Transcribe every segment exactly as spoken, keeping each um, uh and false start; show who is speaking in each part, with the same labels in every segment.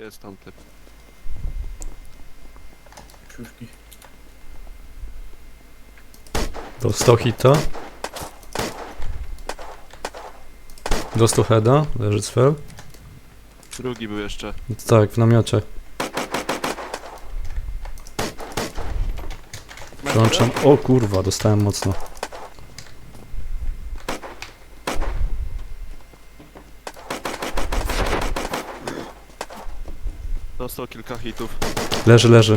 Speaker 1: Jest tam typ.
Speaker 2: Krzyżki.
Speaker 3: Dostał hita. Dostał heada, leży cfel.
Speaker 1: Drugi był jeszcze.
Speaker 3: Tak, w namiocie. Przełączam. O kurwa, dostałem mocno.
Speaker 1: Dostał kilka hitów.
Speaker 3: Leży, leży.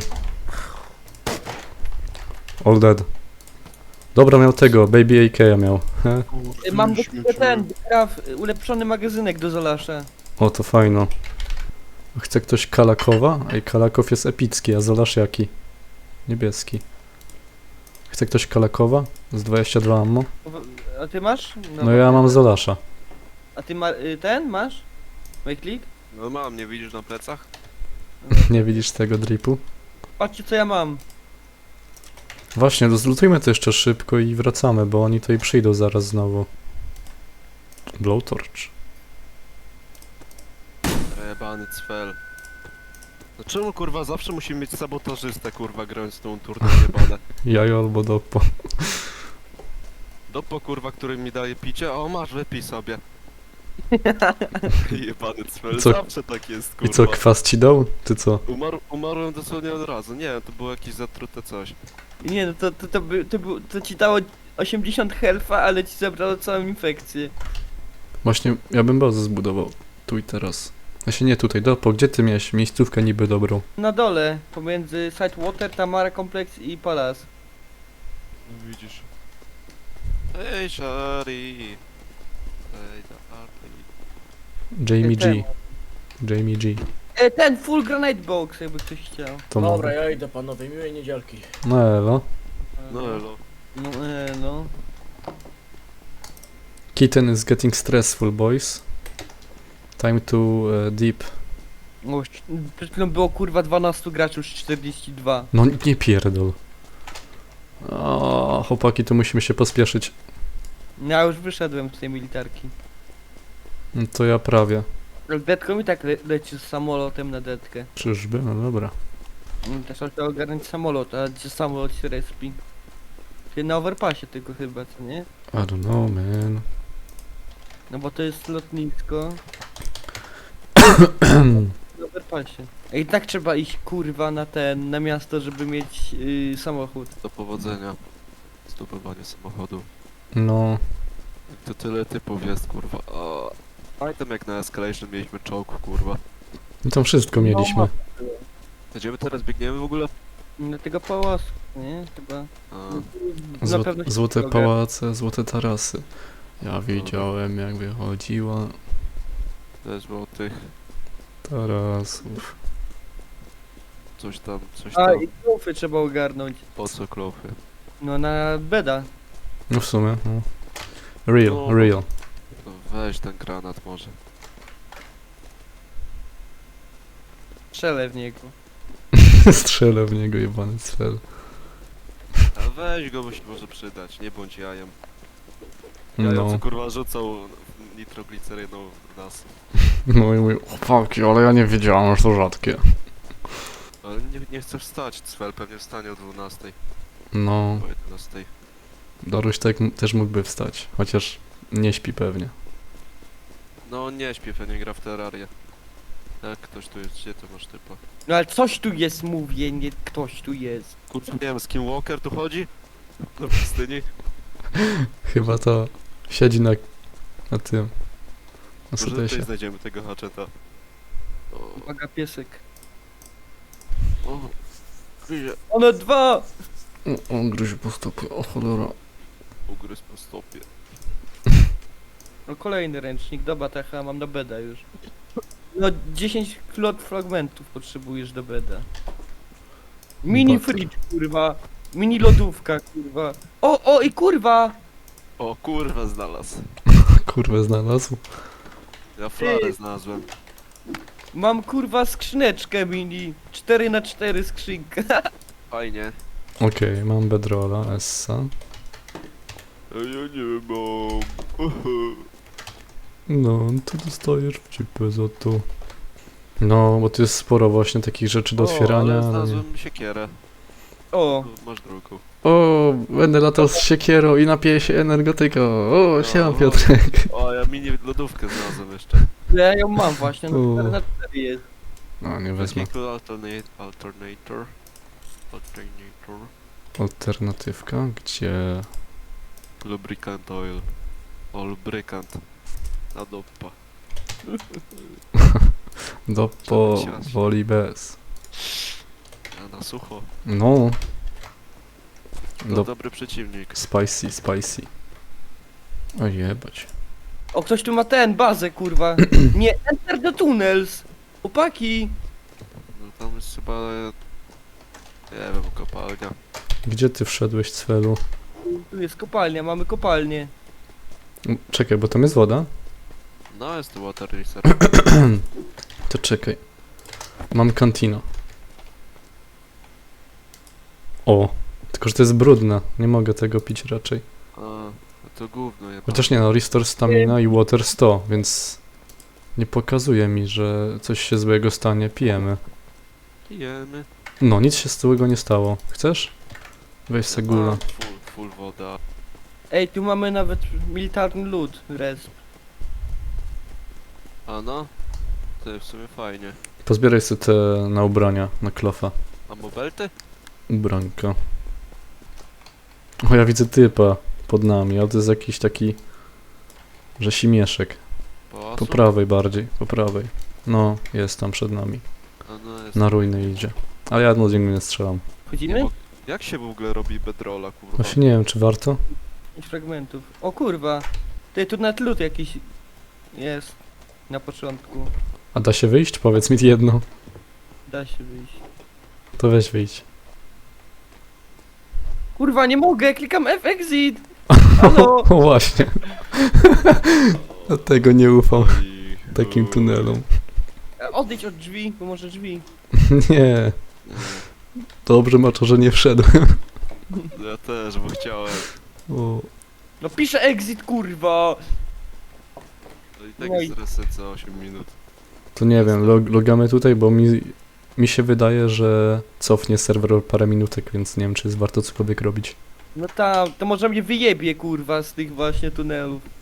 Speaker 3: All dead. Dobra, miał tego, Baby A K miał. He.
Speaker 4: Y, Mam do ciebie ten, kraw, ulepszony magazynek do Zolasza.
Speaker 3: O, to fajno. Chce ktoś Kalakowa? Ej, Kalakow jest epicki, a Zolasz jaki? Niebieski. Chce ktoś Kalakowa? Z dwadzieścia dwa ammo?
Speaker 4: A ty masz?
Speaker 3: No ja mam Zolasza.
Speaker 4: A ty ma, y, ten masz? Wejklik?
Speaker 1: No mam, nie widzisz na plecach?
Speaker 3: Nie widzisz tego dripu?
Speaker 4: Patrzcie co ja mam.
Speaker 3: Właśnie, to zlutujmy to jeszcze szybko i wracamy, bo oni tutaj przyjdą zaraz znowu. Blowtorch.
Speaker 1: Jebany cfel. No czemu kurwa zawsze musimy mieć sabotażystę kurwa grając tą turną jebane?
Speaker 3: Jajo albo dopo.
Speaker 1: Dopo kurwa, który mi daje picie, o masz wypij sobie. Jebany cfel,
Speaker 3: Co?
Speaker 1: zawsze tak jest
Speaker 3: I
Speaker 1: kurwa.
Speaker 3: co, kwas ci dał? Ty co?
Speaker 1: Umarł, umarłem dosłownie od razu, nie to było jakieś zatrute coś.
Speaker 4: Nie no to, to, to, by, to, by, to ci dało osiemdziesiąt health'a, ale ci zabrało całą infekcję.
Speaker 3: Właśnie, ja bym bazę zbudował. Tu i teraz. Właśnie nie tutaj, dopo, gdzie ty miałeś miejscówkę niby dobrą?
Speaker 4: Na dole, pomiędzy Sidewater, Tamara Complex i Palace.
Speaker 1: No widzisz. Ej, Shari. Ej, da Arty.
Speaker 3: Jamie
Speaker 4: Ten.
Speaker 3: G. Jamie G.
Speaker 4: E, ten full granite box, jakby ktoś chciał.
Speaker 3: To
Speaker 2: Dobra,
Speaker 3: może.
Speaker 2: ja idę panowie, miłej niedzielki.
Speaker 3: No elo.
Speaker 1: No elo.
Speaker 4: No, e, no.
Speaker 3: Kitten is getting stressful, boys. Time to uh, deep.
Speaker 4: O, przed chwilą było kurwa dwanaście graczy, już czterdzieści dwa.
Speaker 3: No nie pierdol. O, chłopaki, tu musimy się pospieszyć.
Speaker 4: Ja już wyszedłem z tej militarki.
Speaker 3: No to ja prawie.
Speaker 4: Ale Detko mi tak le leci z samolotem na detkę.
Speaker 3: Czyżby? No dobra.
Speaker 4: Mm, Też trzeba ogarnąć samolot, a gdzie samolot się respi? Czyli na overpassie tylko chyba, co nie?
Speaker 3: I don't know, man.
Speaker 4: No bo to jest lotnisko. Na overpassie. I tak trzeba iść kurwa na ten, na miasto, żeby mieć yy, samochód.
Speaker 1: Do powodzenia. Zdobywanie samochodu.
Speaker 3: No,
Speaker 1: To tyle typów jest kurwa. O. Pamiętam jak na Escalation mieliśmy czołg kurwa.
Speaker 3: i tam wszystko mieliśmy.
Speaker 1: Gdzie my teraz biegniemy w ogóle?
Speaker 4: Na tego pałacu, nie? Chyba.
Speaker 1: A,
Speaker 4: Na
Speaker 3: Zło
Speaker 4: pewno się
Speaker 3: złote
Speaker 4: drogę.
Speaker 3: pałace, złote tarasy. Ja widziałem jak wychodziła
Speaker 1: też było tych.
Speaker 3: tarasów.
Speaker 1: Coś tam, coś
Speaker 4: A
Speaker 1: tam.
Speaker 4: i klofy trzeba ogarnąć.
Speaker 1: Po co klofy?
Speaker 4: No na beda.
Speaker 3: No w sumie, no. Real,
Speaker 1: No.
Speaker 3: real.
Speaker 1: No weź ten granat może.
Speaker 4: Strzelę w niego.
Speaker 3: Strzelę w niego jebany cfel.
Speaker 1: A weź go, bo się może przydać, nie bądź jajem. Jajo co
Speaker 3: No,
Speaker 1: kurwa rzucał nitrogliceryną w nas.
Speaker 3: no i mój chłopaki, ale ja nie wiedziałem, że to rzadkie.
Speaker 1: Ale nie, nie chcę wstać, Cfel pewnie wstanie o dwunastej,
Speaker 3: No,
Speaker 1: o jedenastej.
Speaker 3: Daruś tak m- też mógłby wstać, chociaż nie śpi pewnie.
Speaker 1: No nie śpię, pewnie gra w Terrarię. Jak ktoś tu jest, gdzie to masz typa?
Speaker 4: No ale coś tu jest, mówię, nie ktoś tu jest.
Speaker 1: Kurczę, nie wiem, z kim Walker tu chodzi? Na pustyni?
Speaker 3: Chyba to siedzi na, na tym, na
Speaker 1: Może tutaj
Speaker 3: sotesie.
Speaker 1: znajdziemy tego haczeta. O,
Speaker 4: Uwaga, piesek.
Speaker 1: o, gryzie,
Speaker 4: One dwa!
Speaker 3: O, on gryzie po stopie, o cholera.
Speaker 1: ugryzł po stopie.
Speaker 4: No kolejny ręcznik, dobra, techa, mam do beda już. No dziesięć klot fragmentów potrzebujesz do beda. Mini
Speaker 3: Bater.
Speaker 4: fridge, kurwa. Mini lodówka, kurwa. O, o i kurwa!
Speaker 1: O kurwa znalazł.
Speaker 3: Kurwę znalazł.
Speaker 1: Ja flarę
Speaker 4: Ty.
Speaker 1: znalazłem.
Speaker 4: Mam kurwa skrzyneczkę mini. cztery na cztery skrzynka.
Speaker 1: Fajnie.
Speaker 3: Okej, mam bedrolla, essa.
Speaker 1: A ja nie mam.
Speaker 3: No, to dostajesz w cipę za to. No, bo tu jest sporo właśnie takich rzeczy do otwierania.
Speaker 1: O, ale
Speaker 3: ale nie.
Speaker 1: znalazłem siekierę.
Speaker 4: O,
Speaker 1: Tu masz drugą.
Speaker 3: O, będę latał z siekierą i napiję się energetyką. O, siema
Speaker 1: O,
Speaker 3: Piotrek.
Speaker 1: O, ja mini lodówkę znalazłem jeszcze.
Speaker 4: ja ją mam właśnie,
Speaker 3: O.
Speaker 4: no cztery na cztery jest.
Speaker 3: No, nie wezmę.
Speaker 1: Vehicle alternate, alternator. Alternator.
Speaker 3: Alternatywka, gdzie...
Speaker 1: Lubricant oil. O, lubricant. Na dopa.
Speaker 3: Do po
Speaker 1: Żeby ciać.
Speaker 3: woli bez.
Speaker 1: A na sucho.
Speaker 3: No.
Speaker 1: To
Speaker 3: Do
Speaker 1: dobry przeciwnik.
Speaker 3: spicy, spicy. O jebać.
Speaker 4: O, ktoś tu ma ten, bazę, kurwa. Nie, enter the tunnels. Chłopaki.
Speaker 1: No tam jest chyba... Nie wiem, kopalnia.
Speaker 3: Gdzie ty wszedłeś, Cwelu?
Speaker 4: Tu jest kopalnia, mamy kopalnię.
Speaker 3: M, Czekaj, bo tam jest woda?
Speaker 1: No, jest tu water racer.
Speaker 3: To czekaj. Mam kantino. O, tylko że to jest brudne. Nie mogę tego pić raczej.
Speaker 1: A, no to gówno je.
Speaker 3: Chociaż nie no, restore stamina i water sto, więc nie pokazuje mi, że coś się złego stanie. Pijemy.
Speaker 1: Pijemy.
Speaker 3: No, nic się złego nie stało. Chcesz? Weź se gula.
Speaker 1: Mam Full, full woda.
Speaker 4: Ej, tu mamy nawet militarny lód, resp.
Speaker 1: A no? To jest w sumie fajnie.
Speaker 3: Pozbieraj sobie te na ubrania, na klofa.
Speaker 1: A mobelty?
Speaker 3: Ubranka. O, ja widzę typa pod nami, ale to jest jakiś taki... Rzesimieszek.
Speaker 1: Po
Speaker 3: Po prawej bardziej, po prawej. No, jest tam przed nami.
Speaker 1: A no jest.
Speaker 3: Na ruiny idzie. Ale ja od niego nie strzelam.
Speaker 1: Nie
Speaker 4: Wchodzimy?
Speaker 1: mo- Jak się w ogóle robi bedrolla, kurwa?
Speaker 3: Właśnie nie wiem, czy warto?
Speaker 4: Pięć fragmentów. O kurwa. Ty, tu nawet lód jakiś jest. Na początku.
Speaker 3: A da się wyjść? Powiedz mi jedno.
Speaker 4: Da się wyjść.
Speaker 3: To weź wyjść.
Speaker 4: Kurwa, nie mogę, klikam F exit. Halo.
Speaker 3: O właśnie. Dlatego nie ufam
Speaker 1: Oj,
Speaker 3: takim
Speaker 1: uj.
Speaker 3: tunelom.
Speaker 4: E, Odejdź od drzwi, bo może drzwi.
Speaker 3: Nie.
Speaker 1: Nie,
Speaker 3: Dobrze ma to, że nie wszedłem.
Speaker 1: ja też, bo chciałem.
Speaker 3: O.
Speaker 4: No piszę exit, kurwa.
Speaker 1: No i tak
Speaker 4: No i-
Speaker 1: jest reset za osiem minut.
Speaker 3: To nie wiem, log logamy tutaj, bo mi, mi się wydaje, że cofnie serwer o parę minutek, więc nie wiem, czy jest warto cokolwiek robić.
Speaker 4: No tam, to może mnie wyjebie, kurwa, z tych właśnie tunelów.